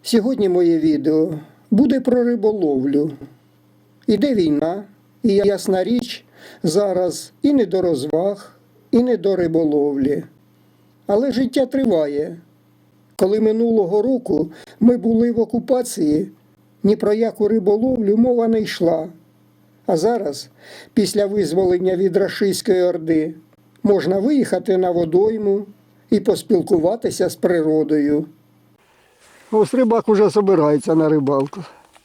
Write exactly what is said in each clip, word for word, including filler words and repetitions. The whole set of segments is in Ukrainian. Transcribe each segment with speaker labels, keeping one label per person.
Speaker 1: Сьогодні моє відео буде про риболовлю. Іде війна, і ясна річ, зараз і не до розваг, і не до риболовлі. Але життя триває. Коли минулого року ми були в окупації, ні про яку риболовлю мова не йшла. А зараз, після визволення від рашистської орди, можна виїхати на водойму і поспілкуватися з природою. Ось рибак уже збирається на рибалку.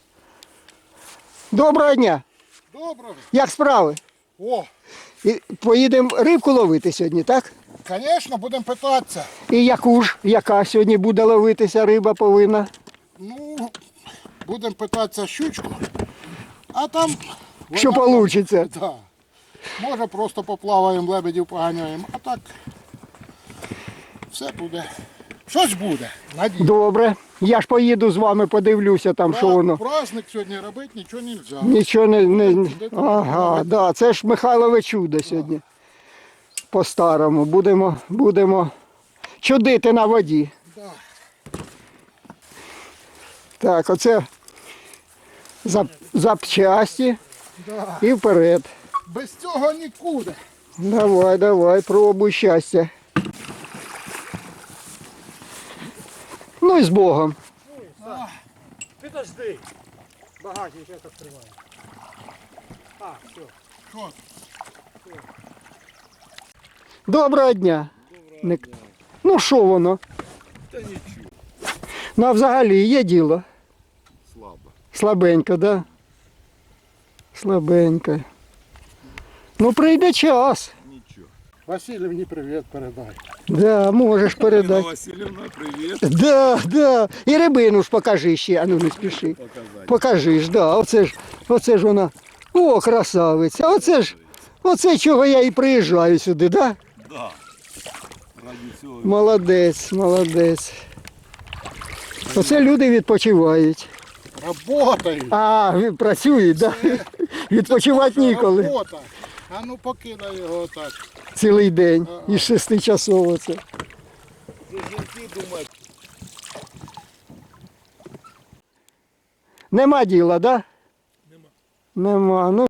Speaker 1: Доброго дня!
Speaker 2: Доброго.
Speaker 1: Як справи?
Speaker 2: О,
Speaker 1: І поїдемо рибку ловити сьогодні, так?
Speaker 2: звісно, будемо питатися.
Speaker 1: І яку ж, яка сьогодні буде ловитися риба повинна?
Speaker 2: Ну, будемо питатися щучку, а там...
Speaker 1: Що
Speaker 2: вона-
Speaker 1: вийде?
Speaker 2: Да. Може просто поплаваємо, лебедів поганяємо, а так все буде. Щось буде, надію.
Speaker 1: Добре. Я ж поїду з вами, подивлюся там, що воно.
Speaker 2: Праздник сьогодні робити нічого не можна.
Speaker 1: Нічого не... не... Ага, да, це ж Михайлове чудо сьогодні. По-старому. Будемо, будемо чудити на воді.
Speaker 2: Да.
Speaker 1: Так, оце зап... запчасті
Speaker 2: Да.
Speaker 1: і вперед.
Speaker 2: Без цього нікуди.
Speaker 1: Давай, давай, пробуй щастя. Ну і з Богом.
Speaker 3: Підожди. Багатенько як відкриває. А, все.
Speaker 2: Що?
Speaker 1: Доброго дня. Не... Ну що воно?
Speaker 2: Та нічого.
Speaker 1: Ну а взагалі є діло?
Speaker 2: Слабо.
Speaker 1: Слабенько, да? Слабенько. Ну прийде час.
Speaker 2: Нічого. Васильівні привіт передай.
Speaker 1: Да, можеш передати.
Speaker 4: Васильівна, привіт.
Speaker 1: Да, да. І рибину ж покажи ще, а ну не спіши.
Speaker 4: Показати.
Speaker 1: Покажи ж, да. Оце ж, оце ж вона. О, красавиця. Оце ж, оце чого я і приїжджаю сюди, да?
Speaker 4: Да. Раді цього.
Speaker 1: Молодець, молодець. Оце люди відпочивають.
Speaker 2: Работають.
Speaker 1: А, ви- працюють, да? Відпочивати ніколи.
Speaker 2: Робота. А ну покидай його так.
Speaker 1: Цілий день. Із шести часов оце.
Speaker 4: Жінки думають.
Speaker 1: Нема діла, да? Нема. Нема. Ну.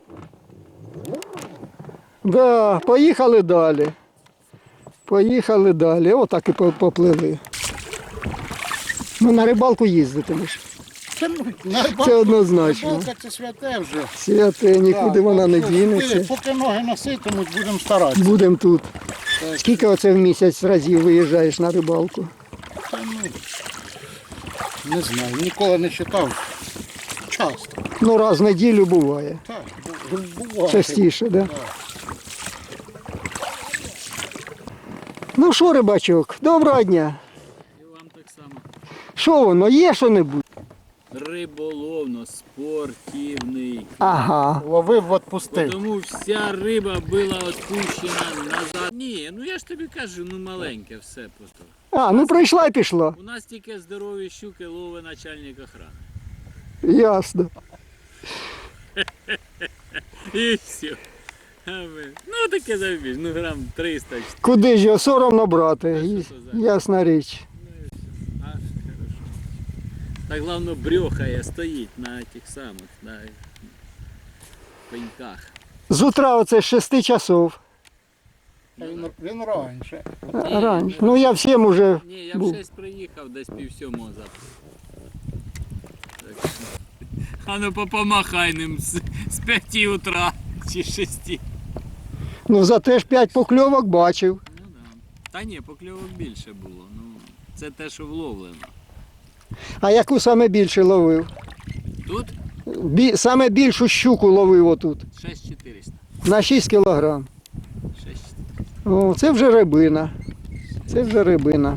Speaker 1: Да, поїхали далі. Поїхали далі. Отак і по- поплили. Ну на рибалку їздитимеш.
Speaker 2: Це, на рибалку-
Speaker 1: Це однозначно.
Speaker 2: Рибалка це святе вже.
Speaker 1: Святе, нікуди
Speaker 2: Так,
Speaker 1: вона не
Speaker 2: так що,
Speaker 1: дінеться.
Speaker 2: Поки ноги носитимуть, будемо старатися.
Speaker 1: Будемо тут.
Speaker 2: Так.
Speaker 1: Скільки оце в місяць разів виїжджаєш на рибалку?
Speaker 2: Та, ну, не знаю, ніколи не читав. Часто.
Speaker 1: Ну раз в неділю буває.
Speaker 2: Так, бу- буває.
Speaker 1: Частіше, да?
Speaker 2: Так.
Speaker 1: Ну що, рибачок, доброго дня.
Speaker 5: І вам так само.
Speaker 1: Що воно, є що-небудь?
Speaker 5: Риболовно, спортивний.
Speaker 1: Ага.
Speaker 2: Ловив, відпустив.
Speaker 5: Тому вся риба була відпущена назад. Ні, ну я ж тобі кажу, ну маленьке все просто.
Speaker 1: А, ну прийшла і пішла.
Speaker 5: У нас тільки здорові щуки ловить начальник охорони.
Speaker 1: Ясно.
Speaker 5: І все. А ми, ну таке забіж, ну грам триста.
Speaker 1: Куди ж його соромно брати?
Speaker 5: що
Speaker 1: І-
Speaker 5: це за-
Speaker 1: Ясна річ.
Speaker 5: Аж хорошо. Так головне брьохає, стоїть на тих самих, на пеньках.
Speaker 1: З утра оце з шести часов.
Speaker 2: Він, він раніше.
Speaker 1: А, Раніше. Ну я всім уже
Speaker 5: Ні, я в
Speaker 1: був.
Speaker 5: шесть приїхав, десь пів сьомого завтра. Так що, а ну попомахай ним з, з п'яти утра чи з шести.
Speaker 1: Ну зате ж п'ять покльовок бачив.
Speaker 5: Ну да. Та ні, покльовок більше було. Ну, це те, що вловлено.
Speaker 1: А яку саме більше ловив?
Speaker 5: Тут
Speaker 1: Бі... Саме більшу щуку ловив отут.
Speaker 5: шість чотириста.
Speaker 1: На шість кілограм.
Speaker 5: шість чотириста.
Speaker 1: О, це вже рибина. Це вже рибина.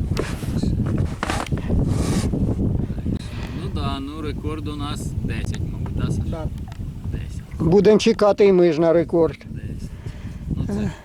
Speaker 5: Ну да, ну рекорд у нас десять, мабуть, да, Саша?
Speaker 2: Так.
Speaker 5: десять.
Speaker 1: Будемо чекати і ми ж на рекорд.
Speaker 5: десять. Ну це